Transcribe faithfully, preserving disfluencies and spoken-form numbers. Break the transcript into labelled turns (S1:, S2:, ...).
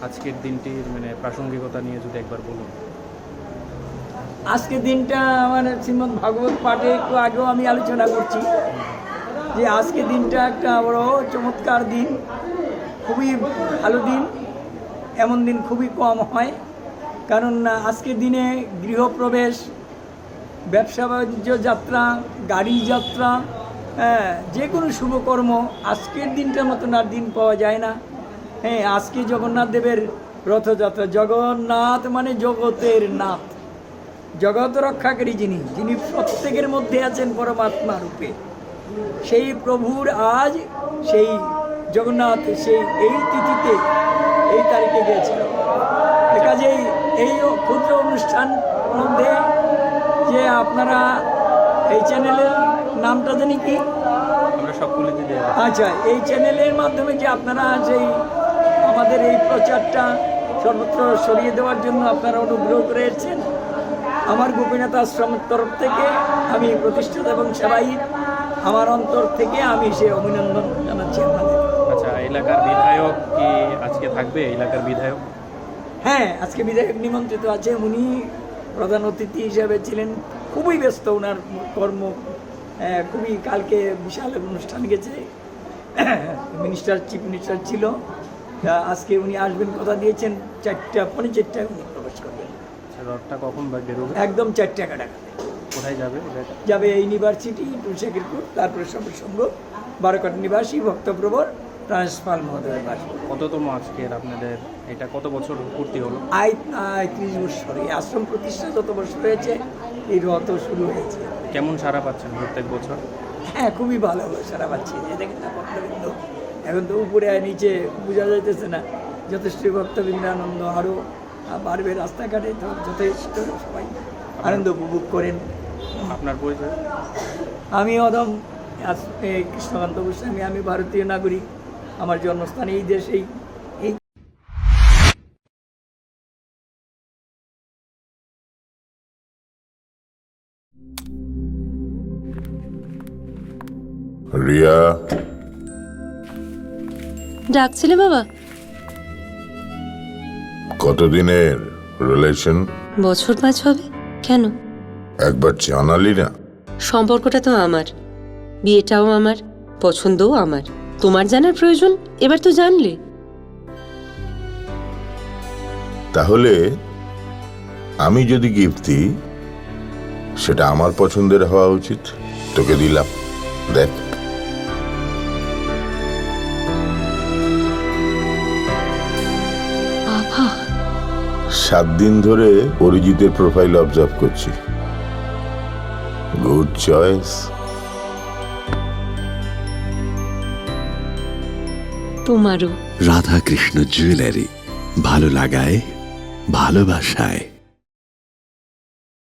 S1: আজকের দিনটির মানে প্রাসঙ্গিকতা নিয়ে যদি একবার বলুন।
S2: আজকের দিনটা আমার শ্রীমদ্ ভাগবত পাঠে একটু আগেও আমি আলোচনা করছি যে আজকের দিনটা একটা বড় চমৎকার দিন, খুবই ভালো দিন। এমন দিন খুবই কম হয়, কারণ আজকের দিনে গৃহপ্রবেশ, ব্যবসা বাণিজ্য যাত্রা, গাড়ি যাত্রা, হ্যাঁ, যে কোনো শুভকর্ম আজকের দিনটার মতন আর দিন পাওয়া যায় না। হ্যাঁ, আজকে জগন্নাথ দেবের রথযাত্রা। জগন্নাথ মানে জগতের নাথ, জগৎ রক্ষাকারী যিনি, যিনি প্রত্যেকের মধ্যে আছেন পরমাত্মা রূপে, সেই প্রভুর আজ সেই জগন্নাথ সেই এই তিথিতে এই তারিখে গিয়েছিল। কাজেই এই ক্ষুদ্র অনুষ্ঠান মধ্যে যে আপনারা এই চ্যানেলের নামটা জানি কি,
S1: আমরা সকলে যদি
S2: আচ্ছা, এই চ্যানেলের মাধ্যমে যে আপনারা সেই আমাদের এই প্রচারটা সর্বত্র সরিয়ে দেওয়ার জন্য আপনারা অনুগ্রহ করেছেন, আমার গোপীনাথ আশ্রমের তরফ থেকে আমি প্রতিষ্ঠাতা এবং সবাই আমার অন্তর থেকে আমি সে অভিনন্দন জানাচ্ছি আপনাদের।
S1: আচ্ছা, এলাকার বিধায়ক কি আজকে থাকবে? এলাকার বিধায়ক
S2: হ্যাঁ, আজকে বিধায়ক নিমন্ত্রিত আছে। উনি প্রধান অতিথি হিসাবে ছিলেন, খুবই ব্যস্ত ওনার কর্ম, খুবই কালকে বিশাল অনুষ্ঠান গেছে, মিনিস্টার চিফ মিনিস্টার ছিল। আজকে উনি আসবেন, কথা দিয়েছেন চারটা পৌনে চারটায় উনি প্রবেশ করবেন।
S1: রথটা কখন বা বেরোবে?
S2: একদম চারটা কাটা
S1: কোথায় যাবে?
S2: যাবে ইউনিভার্সিটি তুলসীপুর, তারপরে সঙ্গ বারোকাট নিবাসী ভক্তপ্রবর ট্রান্সফার মহোদয়ের বাসী।
S1: কততম আজকের আপনাদের এটা কত বছর পূর্তি হলো?
S2: আই আয় ত্রিশ বছর, এই আশ্রম প্রতিষ্ঠা যত বছর হয়েছে এই রথ শুরু হয়েছে।
S1: কেমন সাড়া পাচ্ছেন প্রত্যেক বছর?
S2: হ্যাঁ, খুবই ভালো সারা পাচ্ছি। যে দেখেন না ভক্তবৃন্দ, এখন তো উপরে আর নিচে বোঝা যাইতেছে না, যথেষ্ট ভক্তবৃন্দ আনন্দ আরও বাড়বে। রাস্তাঘাটে তো যথেষ্ট সবাই আনন্দ উপভোগ করেন।
S1: আপনার পরিচয়?
S2: আমি অদম কৃষ্ণকান্ত গোস্বামী, আমি ভারতীয় নাগরিক, আমার জন্মস্থান এই দেশেই। এই
S3: রিয়া,
S4: ডাকছিলে বাবা?
S3: কতদিনের রিলেশন?
S4: বছর পাঁচ হবে। কেন?
S3: একবার জানালি না?
S4: সম্পর্কটা তো আমার, বিয়েটাও আমার, পছন্দও আমার। তোমার জানার প্রয়োজন, এবার তো জানলে।
S3: তাহলে আমি যদি গিফট দিই সেটা আমার পছন্দের হওয়া উচিত। তোকে দিলাম, দেখ।
S4: বাবা,
S3: সাত দিন ধরে অরিজিতের প্রোফাইল অবজার্ভ করছি। Good choice.
S4: তোমারও।
S5: রাধাকৃষ্ণ জুয়েলারি, ভালো লাগায় ভালোবাসায়।